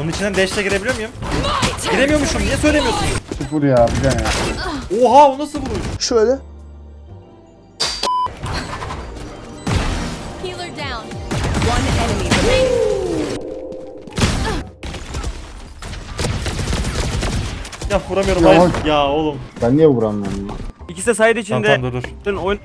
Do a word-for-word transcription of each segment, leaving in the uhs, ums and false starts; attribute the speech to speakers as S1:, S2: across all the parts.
S1: Bunun içinden dash'le girebiliyor muyum? Giremiyormuşum. Niye söylemiyorsun?
S2: Sıfır ya bir tane ya.
S1: Oha o nasıl vuruş?
S2: Şöyle.
S3: Healer down. One enemy remaining.
S1: Ya vuramıyorum.
S2: Ya
S1: Hayır.
S2: bak.
S1: Ya oğlum.
S2: Ben niye vuramıyorum?
S4: İkisi de side
S1: Tamam
S4: içinde.
S1: tamam dur dur.
S4: Sen oyun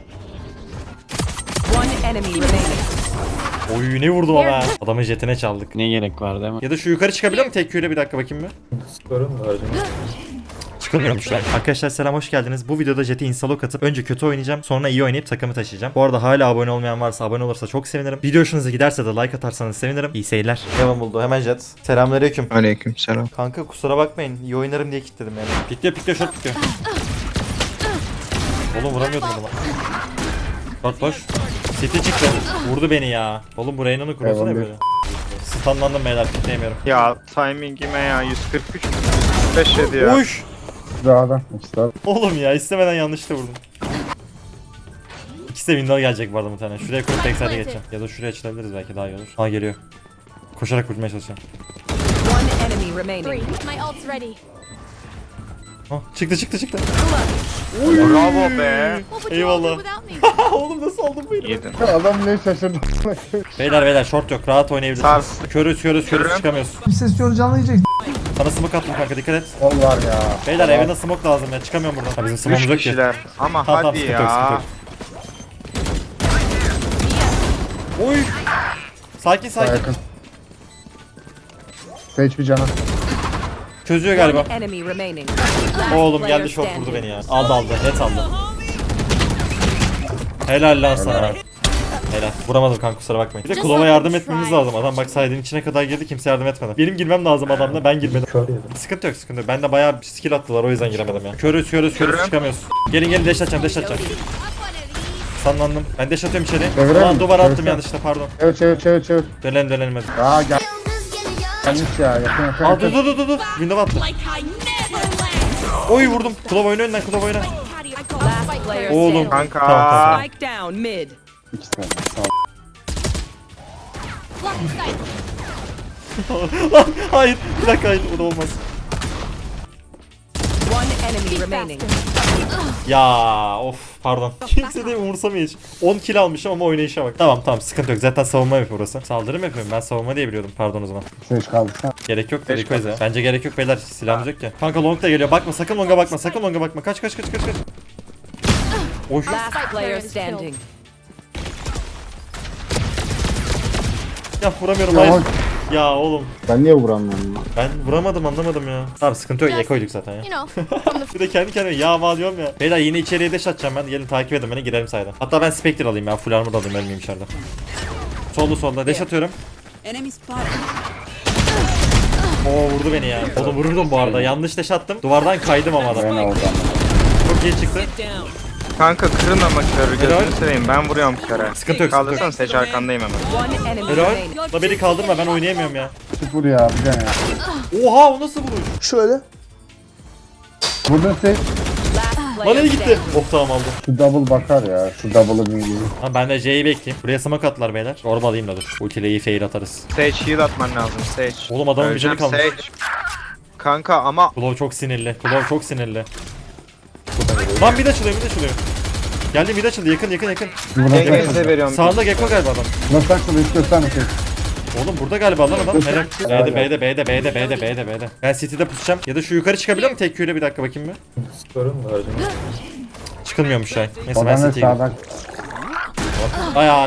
S3: One enemy remaining.
S1: Oy ne vurdum ama. ha. Adamın jetine çaldık.
S4: ne gerek var değil mi?
S1: Ya da şu yukarı çıkabiliyor mu tek Q'yle bir dakika bakayım bir. Çıkamıyormuş lan. Arkadaşlar selam hoş geldiniz. Bu videoda Jet'e instalok atıp önce kötü oynayacağım, sonra iyi oynayıp takımı taşıyacağım. Bu arada hala abone olmayan varsa abone olursa çok sevinirim. Video hoşunuza giderse de like atarsanız sevinirim. İyi seyirler. Devam buldu hemen Jet. Selamünaleyküm.
S5: Aleyküm selam.
S1: Kanka kusura bakmayın. İyi oynarım diye kilitledim yani. Pikliyor pikliyor short pikliyor. Oğlum vuramıyordum adama. Short boş. City çıktı. Vurdu beni ya. Oğlum bu Reyna'nın kurusu ne
S2: Eyvallah.
S1: böyle? Stunlandım beyler pikleyemiyorum.
S5: Ya timingime ya yüz kırk üç yüz kırk beş yedi ya.
S1: Uş.
S2: Dağdan işte.
S1: Oğlum ya istemeden yanlışlıkla vurdum. İkisi de window gelecek bu arada bir tane. Şuraya koyup backside'e geçeceğim. Ya da şuraya açılabiliriz belki daha iyi olur. Aa geliyor. Koşarak vurmaya çalışacağım.
S3: One enemy remaining. My ult's ready.
S1: Ah, çıktı çıktı çıktı.
S5: Bravo be.
S3: What would you all
S1: Eyvallah.
S3: do without me?
S1: Oğlum nasıl aldım bu yeri?
S5: Yedin.
S2: Adam ne şaşırdı.
S1: Beyler beyler short yok rahat oynayabilirsiniz.
S5: Sars.
S1: Körüz körüz körüz
S5: Körüm.
S1: çıkamıyoruz.
S2: Ses canlı yiyecek.
S1: Sana smoke attım kanka dikkat et.
S2: Ol var ya.
S1: Beyler evine smoke lazım ya çıkamıyorum buradan. Ha, bizim
S5: Üç
S1: smoke'umuz yok ki.
S5: kişiler. Ama
S1: Tamam, tamam,
S5: hadi
S1: sıkıntı yok, sıkıntı
S5: ya.
S1: yok. Oy. Sakin sakin.
S2: Yakın. Seç bir cana.
S1: Çözüyor galiba.
S3: One enemy remaining.
S1: Oğlum geldi short vurdu beni ya. Aldı aldı net aldı. Helal lan sana. Helal. Vuramadım kanka kusura bakmayın. Bir de Kulov'a yardım etmemiz lazım. Adam bak side'in içine kadar girdi kimse yardım etmedi. Benim girmem lazım adamla ben girmedim. Sıkıntı yok sıkıntı yok. Ben de bayağı bir skill attılar o yüzden giremedim ya. Körüz körüz körüz
S5: Körüm.
S1: çıkamıyoruz. Gelin gelin dash atacağım dash atacağım. Sanlandım. Ben dash atıyorum içeri.
S2: Çevirelim
S1: Ulan
S2: mi?
S1: duvar attım
S2: Çevirsene.
S1: yanlışlıkla pardon.
S2: Çevir çevir çevir çevir.
S1: Dönelim dönelim hadi.
S2: Aa gel. Gelmiş ya yakın yakın.
S1: Aa dur
S2: yakın.
S1: dur dur dur. Window attı.
S3: Like I never left.
S1: Oy vurdum. Kulov oyna önden Kulov oyna.
S3: Last player
S1: Oğlum.
S3: standing.
S5: Kanka.
S1: Tamam, tamam.
S3: Spike down mid.
S2: İki tane. Sağ ol.
S1: Hayır. Bir dakika hayır. O da olmaz.
S3: One enemy remaining.
S1: Ya of pardon. Kimse de umursamıyor hiç. on kill almışım ama oynayışa bak. Tamam tamam sıkıntı yok. Zaten savunma yapıyor burası. Saldırı mı yapıyorum? Ben savunma diye biliyordum. Pardon o zaman.
S2: Seç kaldı sen.
S1: Gerek yok.
S5: Beş
S1: Gerek ya.
S5: kaldı.
S1: Bence gerek yok beyler. Silahımız yok ki. Kanka long da geliyor. Bakma sakın longa bakma. Sakın longa bakma. Kaç kaç kaç kaç kaç. Oy.
S3: Last player standing.
S1: Ya vuramıyorum.
S2: Ya
S1: Hayır.
S2: bak.
S1: Ya oğlum.
S2: Ben niye vuramıyorum?
S1: Ben vuramadım anlamadım ya. Tamam sıkıntı yok. Ekoyduk zaten ya.
S3: You know, from the
S1: Bir de kendi kendime yağ diyorum ya. Beyler yine içeriye dash atacağım ben. Gelin takip edin beni girelim saydan. Hatta ben Spectre alayım ya. Full armor da alayım ölmeyeyim içeride. Solda solda dash atıyorum.
S3: enemy spotted.
S1: Oo vurdu beni ya. Oğlum vururdum bu arada. Yanlış dash attım. Duvardan kaydım ama
S2: Ben
S1: adam.
S2: oradan.
S1: Çok iyi çıktı.
S5: Kanka kırın ama körü
S1: Helal.
S5: gözünü seveyim ben vuruyorum köre.
S1: Sıkıntı yok, sıkıntı
S5: Kaldırsana
S1: yok.
S5: seç arkandayım hemen.
S3: One enemy
S1: Helal.
S3: remaining.
S1: La beni kaldırma ben oynayamıyorum ya.
S2: Sıfır ya bir tane ya.
S1: Oha o nasıl vuruş?
S2: Şöyle. Burada seç.
S3: Last
S1: Lan
S3: player
S1: iyi gitti.
S3: standing.
S1: Oh tamam aldım.
S2: Şu double bakar ya. Şu double'ı bir gibi.
S1: Ha, ben de J'yi bekleyeyim. Buraya smoke attılar beyler. Orba alayım da dur. Ultiyle iyi fail atarız.
S5: Sage heal atman lazım Sage.
S1: Oğlum adamın bir
S5: Öleceğim
S1: canı kalmış.
S5: Sage. Kanka ama
S1: Kulov çok sinirli. Kulov çok sinirli. Lan bir de açılıyor bir de açılıyor. Geldi bir de açıldı yakın yakın yakın.
S2: Burası
S5: elinize
S2: açıldı.
S5: veriyorum.
S1: Sağında Gekko galiba adam.
S2: Burası açıldı hiç göstermesin.
S1: Oğlum burada galiba lan adam. Helal. B'de B'de B'de B'de B'de B'de B'de. Ben City'de pusacağım. Ya da şu yukarı çıkabiliyor mu tek Q'yle bir dakika bakayım bir. Çıkılmıyormuş yani. Neyse ben
S2: Oradan da
S1: City'ye gidiyorum.
S2: sağdan.
S1: Bayağı.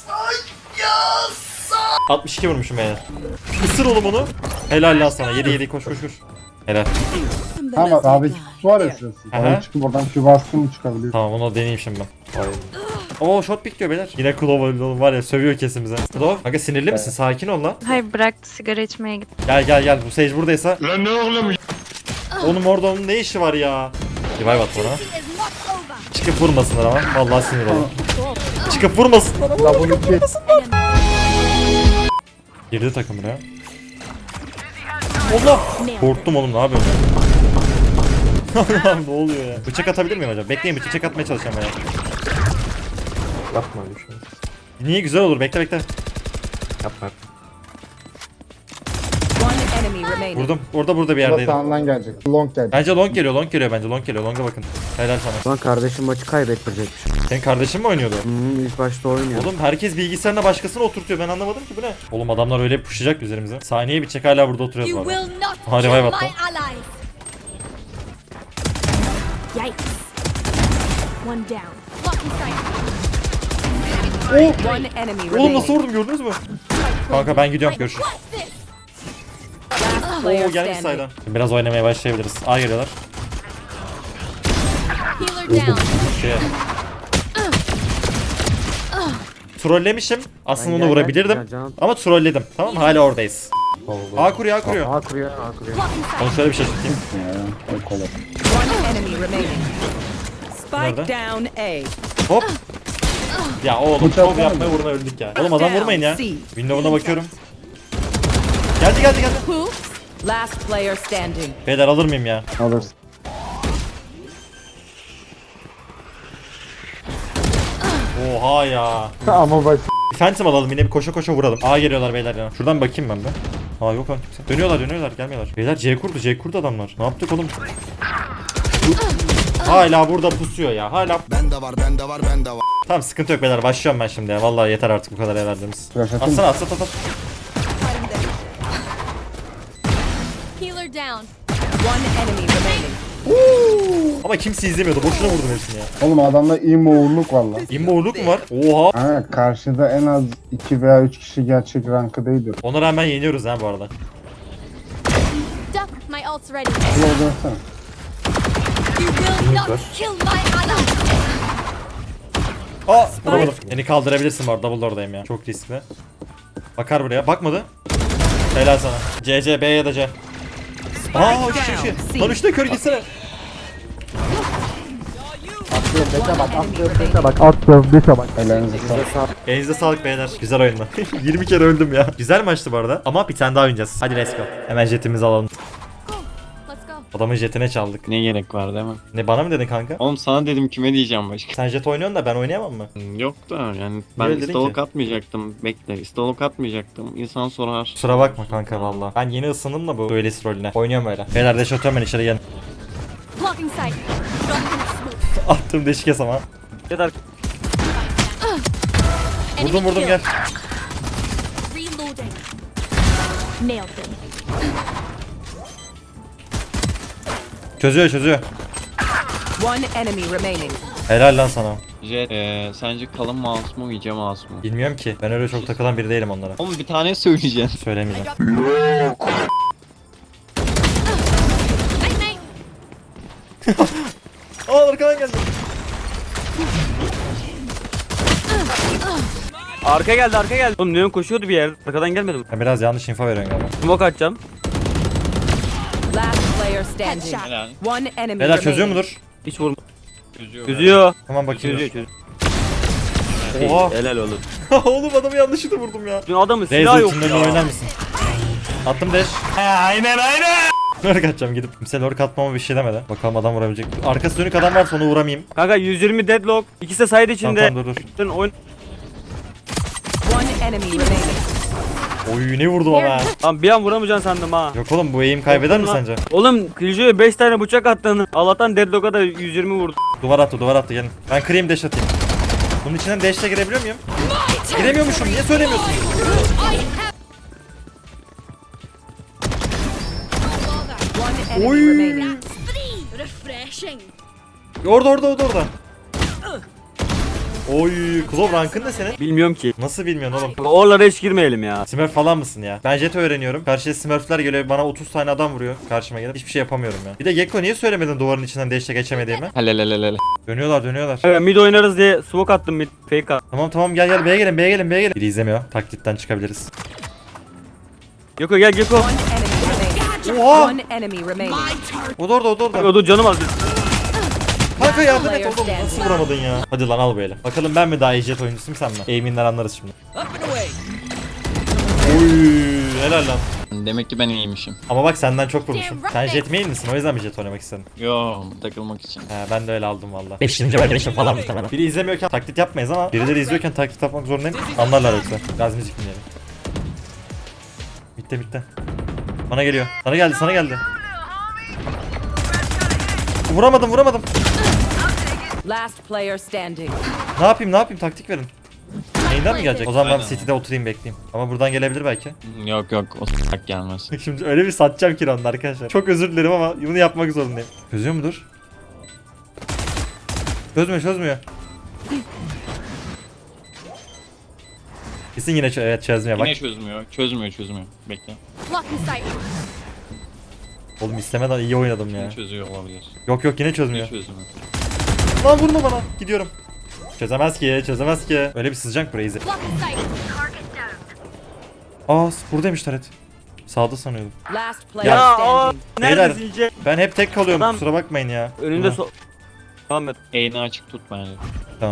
S1: altmış iki vurmuşum beyler. Isır oğlum onu. Helal lan sana. yedi yedi koş koş koş. Helal.
S2: Tamam sağdaki kutu var ya şurası.
S1: Aha.
S2: Oraya çıkıp oradan Q bastın mı çıkabiliyor.
S1: Tamam onu deneyeyim şimdi ben. Oo short pick diyor beyler. Yine Klov öldü oğlum var ya sövüyor kesin bize. Klov kanka sinirli misin? Sakin ol lan.
S6: Hayır bıraktı sigara içmeye gitti.
S1: Gel gel gel bu Sage buradaysa. Lan ne oğlum? Onun orada onun ne işi var ya? Revive at bana. Çıkıp vurmasınlar ama. Vallahi sinir oldum. Çıkıp vurmasın.
S2: W iki.
S1: Girdi takım buraya. Allah! Korktum oğlum ne yapıyorsun? Allah'ım ne oluyor ya? Bıçak atabilir miyim acaba? Bekleyin bir bıçak atmaya çalışacağım ben ya.
S4: Yapma öyle şey.
S1: Niye güzel olur bekle bekle.
S4: Yapma.
S3: One enemy remaining.
S1: Vurdum. Orada burada bir
S2: Bu da
S1: yerdeydim.
S2: sağından gelecek. Long gelecek.
S1: Bence long geliyor, long geliyor bence. Long geliyor. Long'a bakın. Helal sana.
S4: Lan kardeşim maçı kaybettirecekmiş.
S1: Senin kardeşin mi oynuyordu?
S4: Hmm, ilk başta oynuyor.
S1: Oğlum herkes bilgisayarına başkasını oturtuyor. Ben anlamadım ki bu ne? Oğlum adamlar öyle pushlayacak üzerimize. Saniye bitecek hala burada oturuyoruz
S3: You
S1: bu arada.
S3: will not
S1: Hadi
S3: kill
S1: vay
S3: my
S1: battı.
S3: allies. Yikes. One down. Blocking sight. One enemy
S1: Oğlum
S3: remaining.
S1: nasıl vurdum gördünüz mü? Kanka ben gidiyorum, görüşürüz.
S3: Last
S1: Oo
S3: player
S1: gelmiş
S3: standing.
S1: saydan. Biraz oynamaya başlayabiliriz. A geliyorlar.
S3: Healer down.
S1: Şey. Trollemişim. Aslında
S4: Gel,
S1: onu
S4: gel,
S1: vurabilirdim.
S4: gel, canım.
S1: Ama trolledim. Tamam mı? Hala oradayız. A kuruyor, A kuruyor.
S4: A kuruyor, A kuruyor.
S3: Blocking sight.
S1: Onu şöyle bir şaşırtayım.
S2: Ya, o kolay.
S3: One enemy remaining.
S1: Nerede?
S3: Spike down A.
S1: Hop. Ya oğlum
S2: Bıçak
S1: şov
S2: var mı?
S1: yapmaya uğruna öldük ya. Oğlum adam vurmayın ya.
S3: C.
S1: Window'una bakıyorum. Geldi geldi geldi.
S3: Who? Last player standing.
S1: Beyler alır mıyım ya?
S2: Alırsın.
S1: Oha ya.
S2: Ama bak.
S1: Phantom alalım yine bir koşa koşa vuralım. A geliyorlar beyler ya. Şuradan bakayım ben de. Aa yok lan kimse. Dönüyorlar dönüyorlar gelmiyorlar. Beyler C kurdu C kurdu adamlar. Ne yaptık oğlum? Hala burada pusuyor ya. Hala.
S7: Bende var, bende var, bende var.
S1: Tamam sıkıntı yok beyler. Başlıyorum ben şimdi ya. Vallahi yeter artık bu kadar el verdiğimiz.
S2: Flash atayım mı?
S1: Atsana atsana atsana.
S3: Healer down. One enemy remaining.
S1: Ama kimse izlemiyordu. Boşuna vurdum hepsini ya.
S2: Oğlum adamda immoğurluk var lan.
S1: İmmoğurluk mu var? Oha.
S2: Ha, karşıda en az iki veya üç kişi gerçek rankıdaydı.
S1: Ona rağmen yeniyoruz ha bu arada.
S3: Duck. My ult's ready.
S2: Şuraya dönsene.
S3: You will not kill my allies.
S1: Aa vuramadım. Beni kaldırabilirsin bu arada. Double oradayım ya. Çok riskli. Bakar buraya. Bakmadı. Helal sana. C C B ya da C. Aa üç kişi üç kişi. Lan üçte kör gitsene.
S2: Ellerinize sağlık.
S1: Elinize sağlık beyler. Güzel oyundu. yirmi kere öldüm ya. Güzel maçtı bu arada. Ama bir tane daha oynayacağız. Hadi let's go. Hemen jetimizi alalım.
S3: Let's go.
S1: Adamın jetine çaldık.
S8: Ne gerek var değil mi?
S1: Ne bana mı dedin kanka?
S8: Oğlum sana dedim kime diyeceğim başka.
S1: Sen jet oynuyorsun da ben oynayamam mı?
S8: Yok da yani
S1: Niye
S8: ben
S1: dedin
S8: istalok
S1: ki?
S8: atmayacaktım. Bekle istalok atmayacaktım. İnsan sorar.
S1: Kusura bakma kanka valla. Ben yeni ısındım da bu duelist rolüne. Oynuyorum öyle. Beyler deş atıyorum ben içeri gelin.
S3: Blocking sight. Dropping smoke.
S1: Attım deşi kes ama.
S3: Enemy
S1: Vurdum vurdum
S3: kill.
S1: gel.
S3: Reloading. Nailed them.
S1: Çözüyor çözüyor.
S3: One enemy remaining.
S1: Helal lan sana.
S8: Jet eee, sence kalın mouse mu iyice mouse mu?
S1: Bilmiyorum ki. Ben öyle çok takılan biri değilim onlara.
S8: Oğlum bir tane söyleyeceğim.
S1: Söylemeyeceğim.
S3: Night night.
S1: Aa arkadan geldi.
S9: Arka geldi arka geldi. Oğlum Neon koşuyordu bir yer. Arkadan gelmedi mi?
S1: Ben biraz yanlış info veriyorum galiba.
S9: Smoke atacağım.
S3: Last player standing.
S8: Helal.
S3: One enemy
S1: Beyler çözüyor
S3: remaining.
S1: mudur?
S9: Hiç vurma.
S8: Çözüyor.
S9: Çözüyor.
S1: Tamam bakayım.
S9: Çözüyor çözüyor.
S1: Oha.
S9: Helal oğlum.
S1: Oğlum adamı yanlışlıkla vurdum ya.
S9: Dün adamın
S1: Reis
S9: silahı yok
S1: ultimle
S9: ya.
S1: oynar mısın? Attım deş. Aynen aynen. Lurk atacağım gidip. Kimse lurk atmama bir şey demedi. Bakalım adam vurabilecek. Arkası dönük adam varsa onu vuramayayım.
S9: Kanka yüz yirmi deadlock. İkisi de side
S1: Tamam
S9: içinde.
S1: tamam dur dur.
S9: Dün oyun.
S3: One enemy remaining.
S1: Oy ne vurdum ama.
S9: Lan bir an vuramayacaksın sandım ha.
S1: Yok oğlum bu aim kaybeder mi
S9: Lan.
S1: sence?
S9: Oğlum Killjoy'a beş tane bıçak attın. Allah'tan deadlock'a da yüz yirmi vurdu.
S1: Duvar attı duvar attı gelin. Ben kırayım dash atayım. Bunun içinden dash'le girebiliyor muyum? Giremiyormuşum niye söylemiyorsun?
S3: One enemy
S1: Oy.
S3: remaining. Refreshing.
S1: Orada orada orada orada. Oy Klov rankın ne senin?
S9: Bilmiyorum ki.
S1: Nasıl bilmiyorsun oğlum?
S9: Oralara hiç girmeyelim ya.
S1: Smurf falan mısın ya? Ben jet öğreniyorum. Karşıya smurfler geliyor bana otuz tane adam vuruyor karşıma gelip. Hiçbir şey yapamıyorum ya. Bir de Gekko niye söylemedin duvarın içinden dash'le geçemediğimi?
S8: Helal helal helal.
S1: Dönüyorlar dönüyorlar.
S9: Evet, mid oynarız diye smoke attım mid. Fake at.
S1: Tamam tamam gel gel B'ye gelin B'ye gelin B'ye gelin. Biri izlemiyor. Taklitten çıkabiliriz.
S9: Geko gel Geko.
S3: One enemy remaining.
S1: Oha!
S3: One enemy remaining.
S1: O da orada o da orada.
S9: O da canım az.
S1: Kanka yardım et oğlum nasıl vuramadın ya? Hadi lan al böyle. Bakalım ben mi daha iyi jet oyuncusuyum sen mi? Aim'inden anlarız şimdi. Oy helal lan.
S8: Demek ki ben iyiymişim.
S1: Ama bak senden çok vurmuşum. Sen jet main misin? O yüzden mi jet oynamak istedin?
S8: Yo takılmak için.
S1: He ben de öyle aldım valla. beşinci oynayışım falan muhtemelen. Biri izlemiyorken taklit yapmayız ama birileri izliyorken taklit yapmak zorundayım. Anlarlar yoksa. Gaz müzik dinleyelim. Bitti bitti. Bana geliyor. Sana geldi, sana geldi. Vuramadım, vuramadım.
S3: Last player standing.
S1: Ne yapayım, ne yapayım? Taktik verin. Neyinden mi gelecek? O zaman ben City'de oturayım bekleyeyim. Ama buradan gelebilir belki.
S8: Yok yok o s**k gelmez.
S1: Şimdi öyle bir satacağım ki onu arkadaşlar. Çok özür dilerim ama bunu yapmak zorundayım. Çözüyor mudur? Çözmüyor, çözmüyor. Kesin yine çö evet çözmüyor bak.
S8: Yine çözmüyor. Çözmüyor çözmüyor. Bekle.
S3: Blocking sight.
S1: Oğlum istemeden iyi oynadım ya.
S8: Yine çözüyor olabilir.
S1: Yok yok yine
S8: Yine
S1: çözmüyor.
S8: çözmüyor.
S1: Lan vurma bana. Gidiyorum. Çözemez ki, çözemez ki. Öyle bir sızacak burayı.
S3: Blocking sight.
S1: Aa buradaymış taret. Sağda sanıyordum.
S3: Last player
S9: Ya o
S3: standing.
S1: Beyler.
S9: neredesin Ece?
S1: Ben hep tek kalıyorum,
S9: Adam-
S1: kusura bakmayın ya.
S9: Önünde
S1: Ha,
S9: so... Tamam et.
S8: Eğni açık tut bence.
S1: Tamam.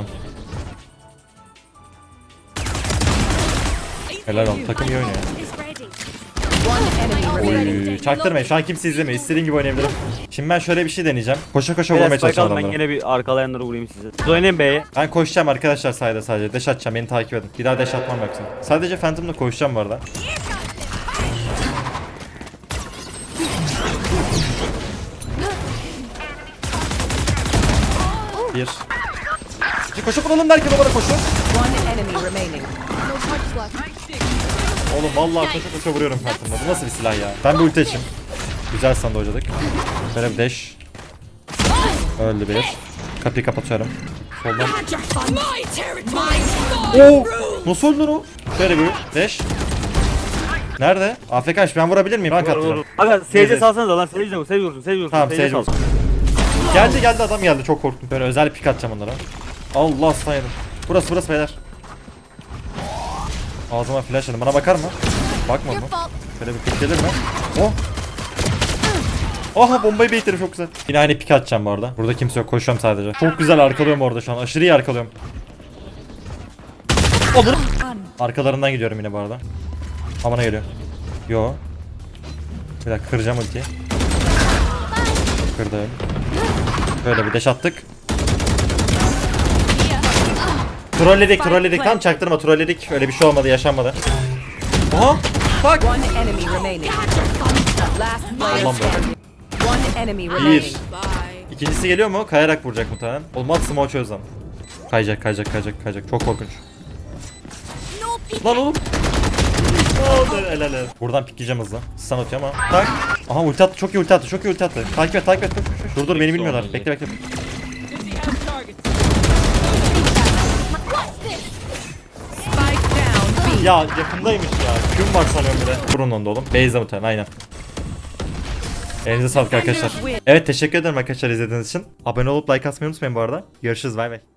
S1: Helal olsun, takım iyi oynuyor ya.
S3: One enemy remaining.
S1: Oy, çaktırmayın, şu an kimse izlemiyor. İstediğin gibi oynayabilirim. Şimdi ben şöyle bir şey deneyeceğim. Koşa koşa
S9: Biraz
S1: vurmaya
S9: spike
S1: çalışacağım
S9: alın, ben
S1: adamları.
S9: yine bir arkalayanları vurayım size. Siz oynayın B'ye.
S1: Ben koşacağım arkadaşlar sayede sadece. Dash atacağım, beni takip edin. Bir daha dash atmam yoksa. Sadece Phantom'la koşacağım bu arada. Bir. İki koşup vuralım derken o bana koşu.
S3: One enemy remaining.
S1: Oğlum vallahi koşa koşa vuruyorum Phantom'la. Bu nasıl bir silah ya? Ben bir ulti açayım. Güzel sanda hocadık. Böyle bir dash. Öldü bir. Kapıyı kapatıyorum. Soldan. Oo! Nasıl öldü lan o? Şöyle bir dash. Nerede? A F K ben vurabilir miyim? Rank atacağım.
S9: Aga
S1: Neyse.
S9: Sage'e salsanıza lan. Sage'e vur. Sage vursun. Sage vursun.
S1: Tamam
S9: Sage'e
S1: Sage
S9: sal.
S1: olsun. Geldi geldi adam geldi, çok korktum. Böyle özel pik atacağım onlara. Allah saydım. Burası burası beyler. Ağzıma flash yedim. Bana bakar mı? Bakma mı? Böyle bir pik gelir mi? Oh. Aha bombayı baitlerim çok güzel. Yine aynı pik atacağım bu arada. Burada kimse yok, koşuyorum sadece. Çok güzel arkalıyorum orada şu an. Aşırı iyi arkalıyorum. Olur. Arkalarından gidiyorum yine bu arada. Ha bana geliyor. Yo. Bir dakika kıracağım ultiyi. Kırdım. Böyle bir dash attık. Trolledik trolledik tam çaktırma, trolledik. Öyle bir şey olmadı, yaşanmadı. Aha. Bak.
S3: One enemy remaining. Last player
S1: Allah'ım be.
S3: standing. One enemy remaining.
S1: Bir. İkincisi geliyor mu? Kayarak vuracak muhtemelen. Olmaz, smoke çöz lan. Kayacak kayacak kayacak kayacak. Çok korkunç. Lan oğlum. Oldu el ele. Buradan pikleyeceğim hızlı. Stun atıyor ama. Tak. Aha ulti attı, çok iyi ulti attı, çok iyi ulti attı. Takip et takip et. Koş, koş, koş. Dur dur beni bilmiyorlar. Bekle bekle.
S3: Spike down. B.
S1: Ya yakındaymış ya. Küm var sanıyorum bir de. Vurun onu da oğlum. Beyza muhtemelen aynen. Elinize sağlık arkadaşlar. Evet teşekkür ederim arkadaşlar izlediğiniz için. Abone olup like atmayı unutmayın bu arada. Görüşürüz, bay bay.